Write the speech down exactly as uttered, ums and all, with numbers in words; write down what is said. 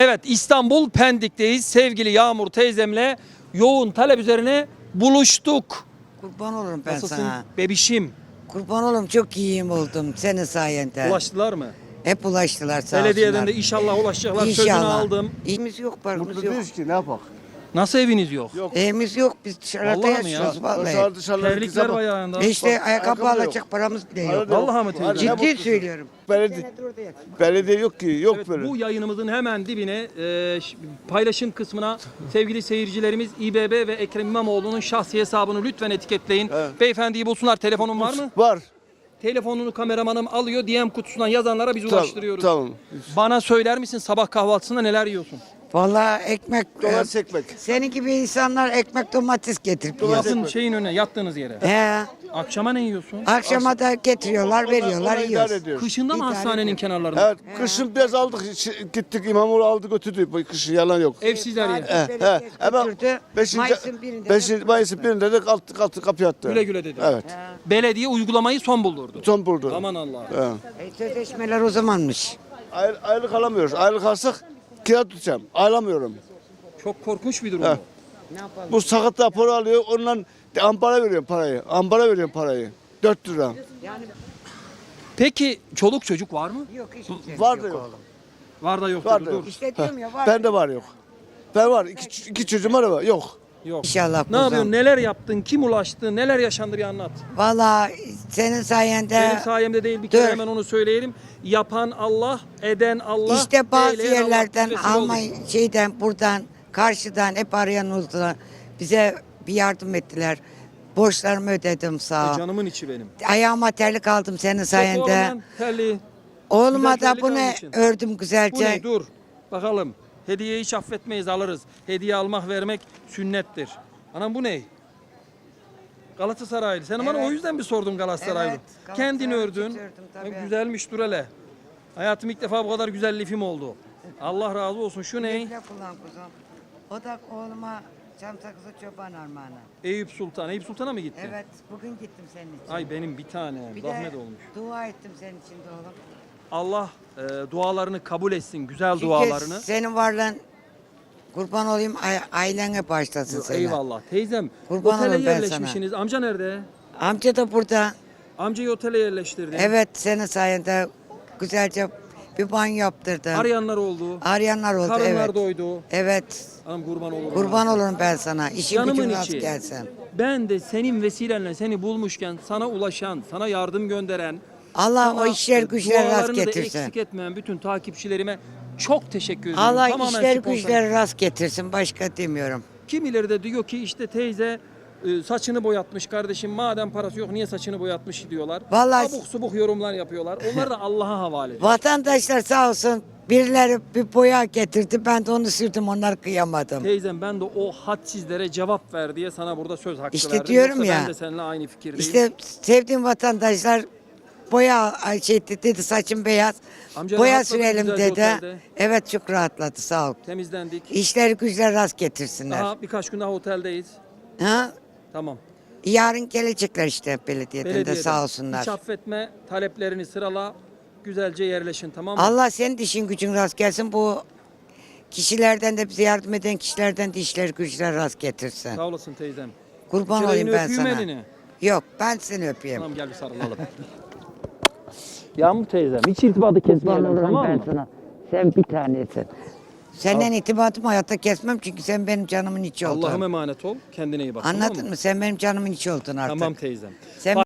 Evet, İstanbul Pendik'teyiz. Sevgili Yağmur teyzemle yoğun talep üzerine buluştuk. Kurban olurum ben Nasılsın sana. bebişim? Kurban olurum, çok iyiyim oldum senin sayende. Ulaştılar mı? Hep ulaştılar, sağ Belediyeden olsunlar. de inşallah ulaşacaklar. Sözünü İnşallah. aldım. İyimiz yok, barımız Burada yok. değiliz ki ne yapak? Nasıl eviniz yok? Yok. Evimiz yok, biz dışarıda Vallahi mi ya? yaşıyoruz vallahi. Dışarı dışarıda Terlikler var ayağında. E işte Bak, ayakkabı ayakkabı alacak yok. paramız bile yok. Vallahi mi teyze? Ciddi söylüyorum. Belediye, belediye yok ki, yok Evet, böyle. bu yayınımızın hemen dibine e, ş- paylaşım kısmına sevgili seyircilerimiz İBB ve Ekrem İmamoğlu'nun şahsi hesabını lütfen etiketleyin. Evet. Beyefendiyi bulsunlar. Telefonun var mı? Var. Telefonunu kameramanım alıyor. D M kutusundan yazanlara biz Tamam, ulaştırıyoruz. tamam. Bana söyler misin sabah kahvaltısında neler yiyorsun? Vallahi ekmek, Domates e, ekmek. senin gibi insanlar ekmek domates getirip yiyor. Yakın şeyin önüne, yattığınız yere. He, Akşama ne yiyorsun? akşama da getiriyorlar, veriyorlar, Onu idare yiyoruz. ediyoruz. Kışında mı İdare hastanenin ediyorum. kenarlarında? Evet, kışın biraz aldık, şi- gittik İmamoğlu aldı götürdü. Bu kışın yalan yok. Evsizler yeri. Fatih He, Belediye he. Hemen götürdü. beşinci, Mayıs'ın birinde de- beşinci, Mayıs'ın birinde de kalktı, kalktı kapıyı attı. Güle güle dedi. Evet. Belediye uygulamayı son buldurdu. Son buldu. Aman Allah. He. E, sözleşmeler o zamanmış. Aylık, aylık alamıyoruz. Aylık alsak kira tutacağım. Alamıyorum. Çok korkunç bir durum He. bu. Ne yapalım? Bu sakat raporu alıyor, ondan de ambara veriyorum parayı. Ambara veriyorum parayı. dört lira. Yani Peki çoluk çocuk var mı? yok, hiç kimse Var da yok yok. oğlum. Var da yok. Var dur, da dur. yok. İşte diyorum ya, var. Ben de var yok. Ben var. İki, iki çocuğum var ama yok. Yok. İnşallah Ne kuzum. yapıyorsun? Neler yaptın? Kim ulaştı? Neler yaşandı bir anlat. Valla senin sayende Benim sayemde değil bir kere dur. hemen onu söyleyelim. Yapan Allah, eden Allah. işte bazı eyleyen Allah yerlerden vesile oldu. Almanya şeyden buradan karşıdan hep arayan oldular. Bize bir yardım ettiler. Borçlarımı ödedim, sağ E, ol. canımın içi benim. Ayağıma terlik aldım senin sayende. Oğlum, terliği. Oğluma güzel da terlik bunu almışsın. ördüm Bu ne? güzelce. Dur. Bakalım. Hediyeyi hiç affetmeyiz, alırız. Hediye almak, vermek sünnettir. Anam bu ne? Galatasaraylı. Sen bana Evet. o yüzden mi sordun Galatasaraylı? Evet, Kendin Galatasaraylı ördün. için ördüm tabii. Ha, güzelmiş, dur hele. Hayatım ilk defa bu kadar güzel lifim oldu. Allah razı olsun. Şu ne? Bekle kullan kuzum. O da oğluma çam sakızı çoban armağanı. Eyüp Sultan. Eyüp Sultan'a mı gittin? Evet, bugün gittim senin için. Ay benim bir tane. Bir Zahmet de olmuş. dua ettim senin için de oğlum. Allah e, dualarını kabul etsin. Güzel Çünkü dualarını. senin varlığın, kurban olayım, ay- ailene başlasın seni. Eyvallah. Teyzem, Kurban otele olurum ben yerleşmişsiniz. Amca nerede? Amca da burada. Amcayı otele yerleştirdin. Evet, senin sayende güzelce bir banyo yaptırdım. Arayanlar oldu. Arayanlar oldu, Karınlar evet. doydu. Evet, Anam kurban olurum. kurban olurum ben sana. İşin Canımın gücün rast içi. gelsin. Ben de senin vesilenle seni bulmuşken sana ulaşan, sana yardım gönderen, Allah sana o işler güçler rast dualarını da getirsin. eksik etmeyen bütün takipçilerime çok teşekkür ederim. Allah Tamamen işler spontan. güçler rast getirsin, başka demiyorum. Kimileri de diyor ki işte teyze e, saçını boyatmış kardeşim, madem parası yok niye saçını boyatmış diyorlar. Vallahi- Abuk subuk yorumlar yapıyorlar. Onları da Allah'a havale ediyor. Vatandaşlar sağ olsun, birileri bir boya getirdi, ben de onu sürdüm, onlar kıyamadım. Teyzem ben de o hadsizlere cevap ver diye sana burada söz hakkı İşte verdim. diyorum Yoksa ya. Ben de seninle aynı fikirdeyim. İşte sevdiğim vatandaşlar boya ay şey dedi, saçım beyaz. Amca boya rahatladı mı sürelim güzelce dedi. otelde? Evet, çok rahatladı, sağ ol. Temizlendik. İşleri güçler rast getirsinler. Daha birkaç gün daha oteldeyiz. Ha? Tamam. Yarın gelecekler işte belediyeden, Belediyeden. de sağ olsunlar. Hiç affetme, taleplerini sırala, güzelce yerleşin, tamam mı? Allah senin işin gücün rast gelsin. Bu kişilerden de bize yardım eden kişilerden de işleri güçler rast getirsin. Sağ olasın teyzem. Kurban Şöyle olayım yine ben öpeyim sana. elini. Yok, ben seni öpeyim. Tamam gel bir sarılalım. Yağmur teyzem hiç irtibatı kesmeyelim tamam mı? sana. Sen bir tanesin. Senden itibatımı hayatta kesmem çünkü sen benim canımın içi oldun. Allah'ım emanet ol. Kendine iyi bak. Anladın tamam mı? mı? Sen benim canımın içi oldun artık. Tamam teyzem. Sen